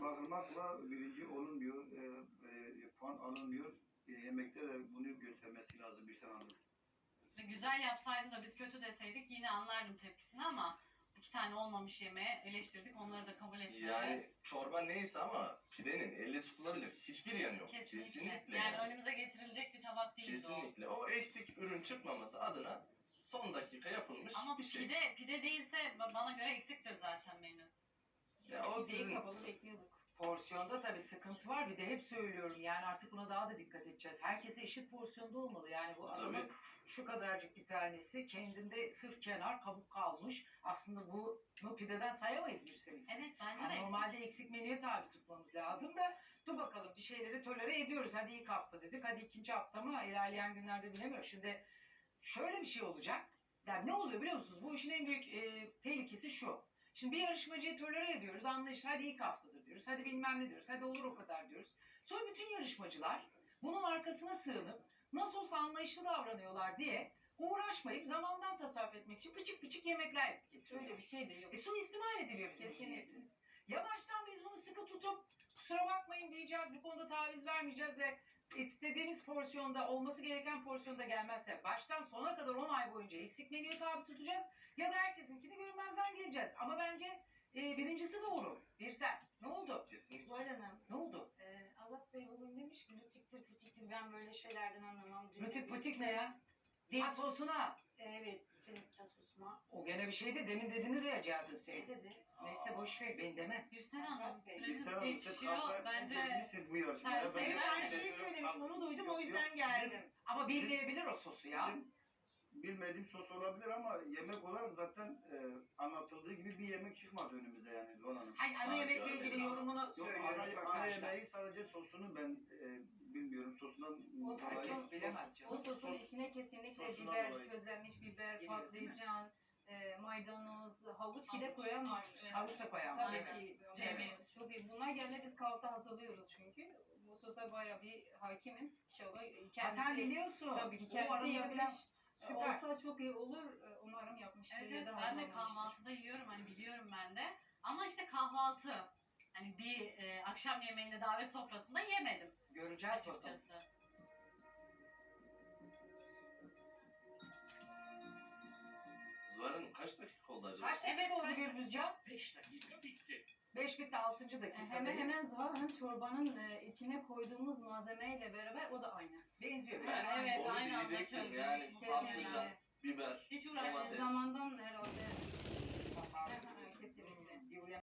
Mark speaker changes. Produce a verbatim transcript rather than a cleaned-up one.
Speaker 1: bakılmakla birinci olunmuyor, e, e, puan alınmıyor. E, yemekte de bunu göstermesi lazım bir Hanım.
Speaker 2: Güzel yapsaydı da biz kötü deseydik yine anlardım tepkisini ama iki tane olmamış yemeğe eleştirdik. Onları da kabul etmedi.
Speaker 3: Yani çorba neyse ama pidenin elle tutulabilir hiçbir yanı yok.
Speaker 2: Kesinlikle.
Speaker 3: Kesinlikle
Speaker 2: yani,
Speaker 3: yani.
Speaker 2: önümüze getirilecek bir tabak değildi
Speaker 3: Kesinlikle. O. o eksik ürün çıkmaması adına son dakika yapılmış
Speaker 2: o. Ama
Speaker 3: bir şey.
Speaker 2: pide, pide değilse bana göre eksiktir zaten menü.
Speaker 3: Ya o
Speaker 4: Pideyi
Speaker 3: sizin...
Speaker 4: kapalı bekliyorduk.
Speaker 5: Porsiyonda tabii sıkıntı var. Bir de hep söylüyorum yani artık buna daha da dikkat edeceğiz. Herkese eşit porsiyonda olmalı. Yani bu adamın
Speaker 3: Tabii.
Speaker 5: şu kadarcık bir tanesi kendinde sırf kenar kabuk kalmış. Aslında bu, bu pideden sayamayız birisini.
Speaker 2: Evet bence
Speaker 5: Yani
Speaker 2: de
Speaker 5: normalde
Speaker 2: eksik.
Speaker 5: eksik menüye tabi tutmamız lazım da dur bakalım bir şeyleri tolere ediyoruz. Hadi ilk hafta dedik. Hadi ikinci hafta mı? İlerleyen günlerde bilemiyorum. Şimdi şöyle bir şey olacak. Yani ne oluyor biliyor musunuz? Bu işin en büyük e, tehlikesi şu. Şimdi bir yarışmacıyı tolere ediyoruz, anlayışlı, hadi ilk haftadır diyoruz, hadi bilmem ne diyoruz, hadi olur o kadar diyoruz. Sonra bütün yarışmacılar bunun arkasına sığınıp nasıl olsa anlayışlı davranıyorlar diye uğraşmayıp zamandan tasarruf etmek için pıçık pıçık yemekler yapıp getiriyorlar.
Speaker 4: Öyle bir şey de yok.
Speaker 5: E, suistimal ediliyor bizim
Speaker 4: Kesinlikle.
Speaker 5: niyetimiz. Ya baştan biz bunu sıkı tutup kusura bakmayın diyeceğiz, bu konuda taviz vermeyeceğiz ve istediğimiz porsiyonda, olması gereken porsiyonda gelmezse baştan sona kadar on ay boyunca eksik menüye tabi tutacağız ya da herkesinkini görmezden geleceğiz. Ama bence e, birincisi doğru. Bir sen. Ne oldu?
Speaker 3: Kesinlikle.
Speaker 4: Zuhal Hanım,
Speaker 5: Ne oldu?
Speaker 4: e, Azat Bey bugün demiş ki lütiktir pütiktir ben böyle şeylerden anlamam.
Speaker 5: Rütük pıtık ne ya? Dil sosuna.
Speaker 4: Evet, Filistin sosuna.
Speaker 5: O gene bir şeydi. Demin dediğini duyacağız
Speaker 4: Ne
Speaker 5: sen.
Speaker 4: dedi?
Speaker 5: Neyse boş ver. Ben demem.
Speaker 2: Birsen Hanım
Speaker 4: Bey.
Speaker 2: süremiz
Speaker 1: Birsen Hanım, siz
Speaker 2: geçiyor.
Speaker 1: kahve
Speaker 2: Bence
Speaker 1: etmediniz bu yarışmaya.
Speaker 2: servise
Speaker 1: Ben-
Speaker 4: Evet,
Speaker 2: giderseniz-
Speaker 4: aynı şeyi söylemiştim, onu duydum, o yüzden geldim.
Speaker 5: Ama bilmeyebilir o sosu ya.
Speaker 1: Sizin bilmediğim sos olabilir ama yemek olarak zaten e, anlatıldığı gibi bir yemek çıkmadı önümüze yani Zuhal Hanım.
Speaker 5: Hayır, ana
Speaker 3: Ha,
Speaker 5: yemekle
Speaker 3: gördüm
Speaker 5: ilgili
Speaker 3: ama.
Speaker 5: yorumunu
Speaker 1: Yok,
Speaker 5: söylüyor
Speaker 1: ana, ana
Speaker 5: röportajda.
Speaker 1: yemeği sadece sosunu ben e, bilmiyorum. Sosundan
Speaker 4: O
Speaker 1: dolayı
Speaker 5: Herkes
Speaker 4: sos-
Speaker 5: bilemez
Speaker 4: O
Speaker 5: canım.
Speaker 4: sosun
Speaker 1: Sos-
Speaker 4: içine kesinlikle
Speaker 1: sosundan
Speaker 4: biber,
Speaker 1: dolayı.
Speaker 4: közlenmiş biber,
Speaker 5: Geliyor, değil mi?
Speaker 4: patlıcan, e, maydanoz, havuç bile
Speaker 2: Havuç,
Speaker 4: koyan var.
Speaker 2: havuç.
Speaker 4: E,
Speaker 5: Havuç da koyan var.
Speaker 4: Tabii
Speaker 2: Aynen.
Speaker 4: ki.
Speaker 2: Ceviz.
Speaker 4: Çok iyi. Bunlar gelene biz kahvaltı hazırlıyoruz çünkü. Bu sosa bayağı bir hakimim. İnşallah
Speaker 5: Ha,
Speaker 4: kendisi...
Speaker 5: sen biliyorsun.
Speaker 4: Tabii ki
Speaker 5: O
Speaker 4: kendisi
Speaker 5: arada
Speaker 4: yapmış.
Speaker 5: bilen- Süper.
Speaker 4: Olsa çok iyi olur. E, Umarım yapmıştır
Speaker 2: evet,
Speaker 4: ya
Speaker 2: evet,
Speaker 4: da
Speaker 2: ben de
Speaker 4: hazırlamıştır.
Speaker 2: kahvaltıda yiyorum hani biliyorum ben de. Ama işte kahvaltı hani bir e, akşam yemeğinde davet sofrasında yemedim
Speaker 5: Göreceğiz bakalım.
Speaker 2: açıkçası.
Speaker 3: Zuhal Hanım kaç dakika oldu acaba?
Speaker 5: Kaç dakika
Speaker 2: Evet,
Speaker 5: oldu
Speaker 2: kaç-
Speaker 5: Gürbüzcan?
Speaker 6: beş dakika bitti.
Speaker 5: beş bitti altıncı
Speaker 4: E,
Speaker 5: dakikadayız.
Speaker 4: Hemen hemen Zuhal Hanım çorbanın e, içine koyduğumuz malzemeyle beraber o da aynı.
Speaker 5: Benziyor.
Speaker 3: Ben
Speaker 5: biraz.
Speaker 2: Evet,
Speaker 3: onu
Speaker 2: aynı anda
Speaker 3: diyecektim
Speaker 2: közlemiş
Speaker 3: yani
Speaker 2: bu
Speaker 3: patlıcan,
Speaker 4: Kesinlikle.
Speaker 3: biber,
Speaker 2: Hiç
Speaker 4: Yani
Speaker 2: uğraşmadım.
Speaker 3: domates.
Speaker 4: zamandan herhalde